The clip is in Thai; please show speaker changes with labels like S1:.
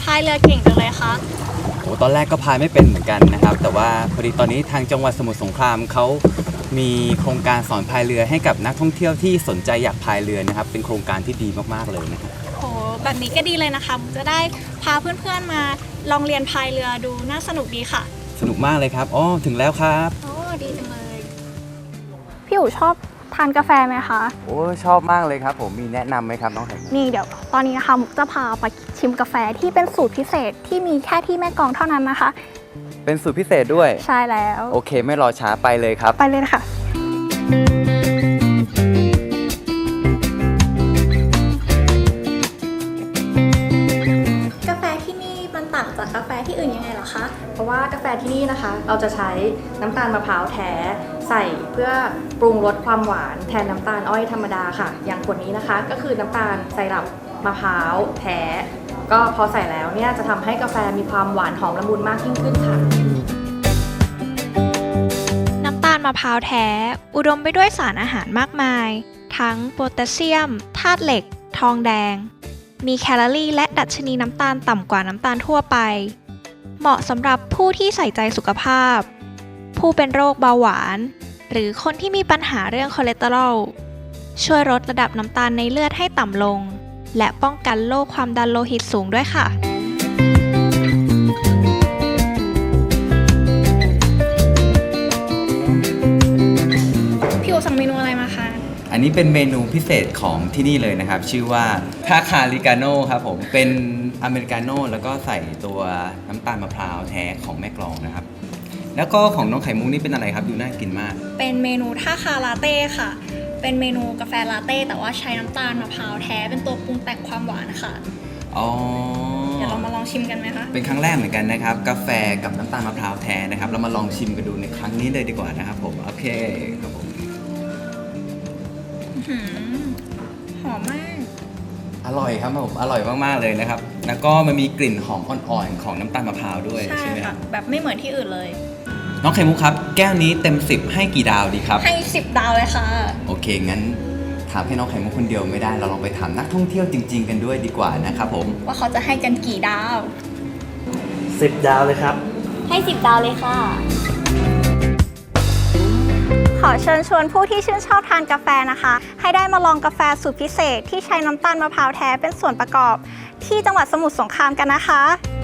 S1: ายเรือเก่งจังเลยคะ
S2: โอ้ตอนแรกก็พายไม่เป็นเหมือนกันนะครับแต่ว่าพอดีตอนนี้ทางจังหวัดสมุทรสงครามเขามีโครงการสอนพายเรือให้กับนักท่องเที่ยวที่สนใจอยากพายเรือนะครับเป็นโครงการที่ดีมากๆเลยนะครับ
S1: โอ้แบบนี้ก็ดีเลยนะคะจะได้พาเพื่อนๆมาลองเรียนพายเรือดูน่าสนุกดีค่ะ
S2: สนุกมากเลยครับอ๋อถึงแล้วครับ
S1: โอ้ดีจังเลย
S3: พี่อู๋ชอบทานกาแฟไหมคะ
S2: โอ้ชอบมากเลยครับผมมีแนะนำไหมครับน้องไข่มุก
S3: นี่เดี๋ยวตอนนี้นะคะมุกจะพาไปชิมกาแฟที่เป็นสูตรพิเศษที่มีแค่ที่แม่กลองเท่านั้นนะคะ
S2: เป็นสูตรพิเศษด้วย
S3: ใช่แล้ว
S2: โอเคไม่รอช้าไปเลยครับ
S3: ไปเลยค่ะกาแฟที่นี่มันต่างจากกาแฟที่อื่นยังไงเหรอคะ
S4: เพราะว่ากาแฟที่นี่นะคะเราจะใช้น้ำตาลมะพร้าวแท้ใส่เพื่อปรุงรสความหวานแทนน้ำตาลอ้อยธรรมดาค่ะอย่างขวดนี้นะคะก็คือน้ำตาลไซรัปมะพร้าวแท้ก็พอใส่แล้วเนี่ยจะทำให้กาแฟมีความหวานหอมละมุนมากยิ่งขึ้นค่ะ
S5: น้ำตาลมะพร้าวแท้อุดมไปด้วยสารอาหารมากมายทั้งโพแทสเซียมธาตุเหล็กทองแดงมีแคลอรี่และดัชนีน้ำตาลต่ำกว่าน้ำตาลทั่วไปเหมาะสำหรับผู้ที่ใส่ใจสุขภาพผู้เป็นโรคเบาหวานหรือคนที่มีปัญหาเรื่องคอเลสเตอรอลช่วยลดระดับน้ำตาลในเลือดให้ต่ำลงและป้องกันโรคความดันโลหิตสูงด้วยค่ะ
S1: พี่อู๋สั่งเมนูอะไรมาคะ
S2: อันนี้เป็นเมนูพิเศษของที่นี่เลยนะครับชื่อว่าคาคาริกาโน่ครับผมเป็นอเมริกาโน่แล้วก็ใส่ตัวน้ำตาลมะพร้าวแท้ของแม่กลองนะครับแล้วก็ของน้องไข่มุกนี่เป็นอะไรครับดูน่ากินมาก
S1: เป็นเมนูท่าคาลาเต้ค่ะเป็นเมนูกาแฟลาเต้แต่ว่าใช้น้ำตาลมะพร้าวแท้เป็นตัวปรุงแต่งความหวานค่ะ
S2: อ๋อ
S1: เดี๋ยวเรามาลองชิมกันไหมคะ
S2: เป็นครั้งแรกเหมือนกันนะครับกาแฟกับน้ำตาลมะพร้าวแท้นะครับเรามาลองชิมกันดูในครั้งนี้เลยดีกว่านะครับผมโอเคครับผม
S1: หอมมาก
S2: อร่อยครับผมอร่อยมากๆเลยนะครับแล้วก็มันมีกลิ่นหอมอ่อนๆของน้ำตาลมะพร้าวด้วยใช่ไหมครับ
S1: แบบไม่เหมือนที่อื่นเลย
S2: น้องไข่มุกครับแก้วนี้เต็ม10ให้กี่ดาวดีครับ
S1: ให้10ดาวเลยค่ะ
S2: โอเคงั้นถามให้น้องไข่มุกคนเดียวไม่ได้เราลองไปถามนักท่องเที่ยวจริงๆกันด้วยดีกว่านะครับผม
S1: ว่าเขาจะให้กันกี่ดาว
S6: 10 ดาวเลยครับ
S1: ให้10ดาวเลยค่ะ
S3: ขอเชิญชวนผู้ที่ชื่นชอบทานกาแฟนะคะให้ได้มาลองกาแฟสูตรพิเศษที่ใช้น้ำตาลมะพร้าวแท้เป็นส่วนประกอบที่จังหวัดสมุทรสงครามกันนะคะ